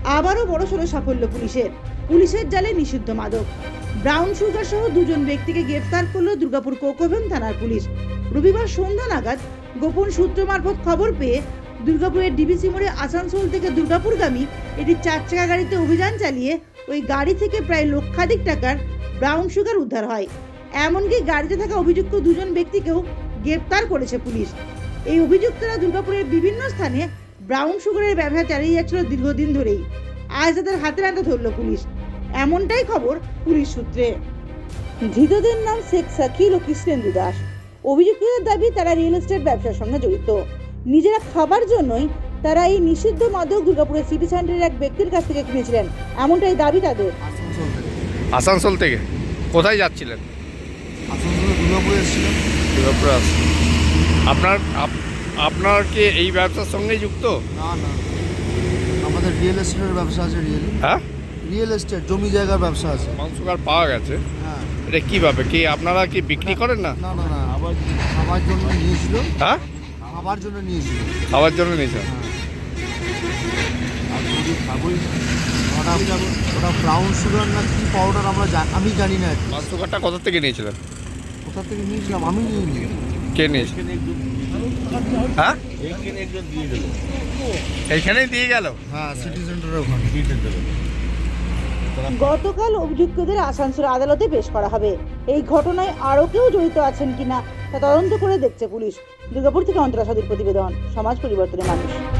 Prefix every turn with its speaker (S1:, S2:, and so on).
S1: আবারও বড়সড় সাফল্য পুলিশের জালে নিষিদ্ধ মাদক। ব্রাউন সুগার সহ দুজন ব্যক্তিকে গ্রেফতার করল দুর্গাপুর কোকোভেন থানার পুলিশ। রবিবার সন্ধ্যা নাগাদ গোপন সূত্র মারফত খবর পেয়ে দুর্গাপুরের ডিবিসি মোড়ে আসানসোল থেকে দুর্গাপুরগামী একটি 4 চাকা গাড়িতে অভিযান চালিয়ে ওই গাড়ি থেকে প্রায় লক্ষাধিক টাকার ব্রাউন সুগার উদ্ধার হয়। এমনকি গাড়িতে থাকা অভিযুক্ত দুজন ব্যক্তিকেও গ্রেফতার করেছে পুলিশ। এই অভিযুক্তরা দুর্গাপুরের বিভিন্ন স্থানে ব্রাউন সুগারের ব্যবসা চালিয়ে যাচ্ছিল দীর্ঘদিন ধরেই। আজ তাদের হাতে নাতে ধরল পুলিশ, এমনটাই খবর পুলিশ সূত্রে। ধৃতদের নাম শেখ শাকিল ও কৃষ্ণেন্দু দাস। অভিযুক্তদের দাবি তারা রিয়েল এস্টেট ব্যবসার সঙ্গে জড়িত। নিজেরা খাবার জন্যই তারা এই নিষিদ্ধ মাদক দুর্গাপুরের সিটি সেন্টারের এক ব্যক্তির কাছ থেকে কিনেছিলেন, এমনটাই দাবি তাদের।
S2: আসানসোল থেকে কোথায় যাচ্ছিলেন?
S3: আসানসোলে দুর্গাপুরে এসেছিলাম।
S2: দুর্গাপুরে আপনার কি এই ব্যবসার সঙ্গে যুক্ত?
S3: না, আমাদের রিয়েল এস্টেটের ব্যবসা আছে। রিয়েল এস্টেট জমি জায়গার ব্যবসা আছে।
S2: ব্রাউন সুগার পাওয়া গেছে।
S3: হ্যাঁ।
S2: এটা কিভাবে কি আপনারা কি বিক্রি করেন না?
S3: না, আবার খাবার জন্য নিয়েছিল।
S2: হ্যাঁ,
S3: খাবার জন্য নিয়েছিল।
S2: খাবার জন্য নিয়েছেন?
S3: আর যদি খাবই ওটা ব্রাউন সুগার না কি পাউডার আমি জানি না।
S2: ব্রাউন সুগারটা কোথা থেকে নিয়েছিলেন?
S3: কোথা থেকে নিয়েছিলাম আমি নিইনি।
S2: কে নিয়েছে? হ্যাঁ, এইখানেই দিয়ে গেল।
S3: হ্যাঁ, সিটি সেন্টারের ওখানে।
S1: গতকাল অভিযুক্তদের আসানসোল আদালতে পেশ করা হবে। এই ঘটনায় আরও কেউ জড়িত আছেন কিনা তা তদন্ত করে দেখছে পুলিশ। দুর্গাপুর থেকে অন্তরা সাদির প্রতিবেদন, সমাজ পরিবর্তনের মানুষ।